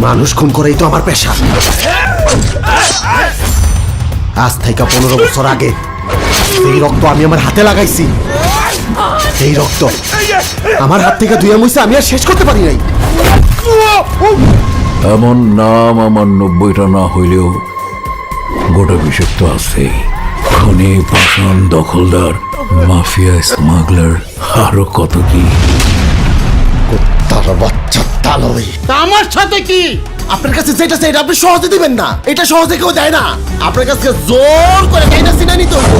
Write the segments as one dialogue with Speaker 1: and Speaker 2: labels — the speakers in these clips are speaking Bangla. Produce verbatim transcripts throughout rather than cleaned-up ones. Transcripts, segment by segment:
Speaker 1: মানুষ খুন করেই তো আমার পেশা। আজ থেকে পনেরো বছর আগে এই রক্ত আমি আমার হাতে লাগাইছি। এই রক্ত আমার হাত থেকে ধুয়ে মুছে আমি আর শেষ করতে পারি নাই।
Speaker 2: এমন নাম আমার নব্বইটা না হইলেও গোটা বিশেষ তো আছে। খনি, পাষাণ, দখলদার, মাফিয়া, স্মাগলার, আরো কত কি।
Speaker 1: তার বাচ্চা তালই আমার সাথে কি? আপনার কাছে যেটা চাই আপনি সহজে দিবেন না। এটা সহজে কেউ দেয় না। আপনার কাছে জোর করে কাইনা সিনা নিতে হইব।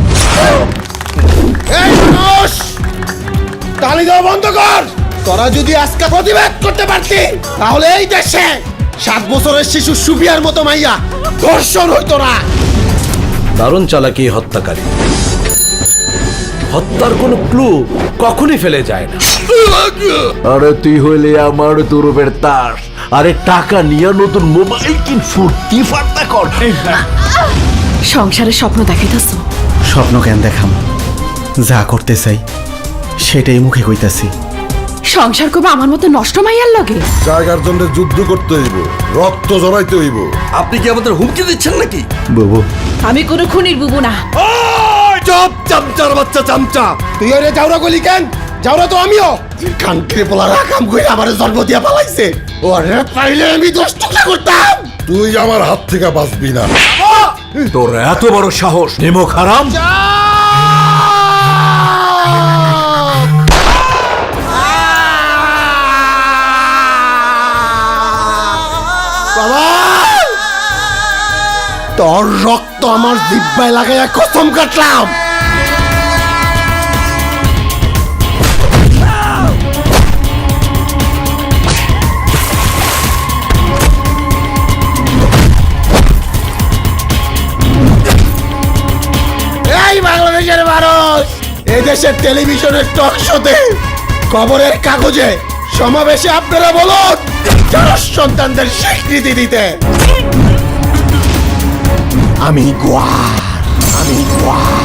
Speaker 1: এই মানুষ, তালি দেওয়া বন্ধ কর। তোরা যদি আজকে প্রতিবাদ করতে পারতি তাহলে এই দেশে সাত বছরের শিশু সুফিয়ার মতো মাইয়া ধর্ষণ হইতো না।
Speaker 3: দারুণ চালাকি হত্যাকারী। হত্যার কোনো ক্লু কখনই ফেলে যায় না।
Speaker 2: আরে তুই হইলে আমার তুরুপের তাস, আরে টাকা নিয়ে নতুন মোবাইল কিন, ফুর্তি ফার্তা কর।
Speaker 4: সংসারের স্বপ্ন দেখাইতেছ?
Speaker 1: স্বপ্ন কেন দেখাম? যা করতে চাই সেটাই মুখে কইতাছি।
Speaker 4: সংসার করবে আমার মতো নষ্ট মাইয়ার লগে?
Speaker 5: জায়গার জন্য যুদ্ধ করতে হইব, রক্ত জড়াইতে হইব।
Speaker 3: আপনি কি আমাদের হুমকি দিচ্ছেন নাকি?
Speaker 1: বাবু,
Speaker 4: আমি কোনো খুনির বুবু না।
Speaker 1: চপ চামচার বাচ্চা চামচা। তুই ওরে যাওরা গলি কেন? যাওরা তো আমিও। কানকে পোলারা কাম কইরা আমারে জন্ম দিয়া পালাইছে। ওরে পাইলে আমি দশ টুকরা করতাম।
Speaker 5: তুই আমার হাত থেকে বাঁচবি না।
Speaker 2: তোর এত বড় সাহস, নিমক হারাম!
Speaker 1: বাবা, তোর রক্ত আমার জিহ্বায় লাগাইয়া কসম কাটলাম। এই বাংলাদেশের মানুষ, এই দেশের টেলিভিশনের টক শোতে, খবরের কাগজে, সমাবেশে আপনারা বলুন যারা সন্তানদের স্বীকৃতি দিতে। আমি গোয়া, আমি গোয়া।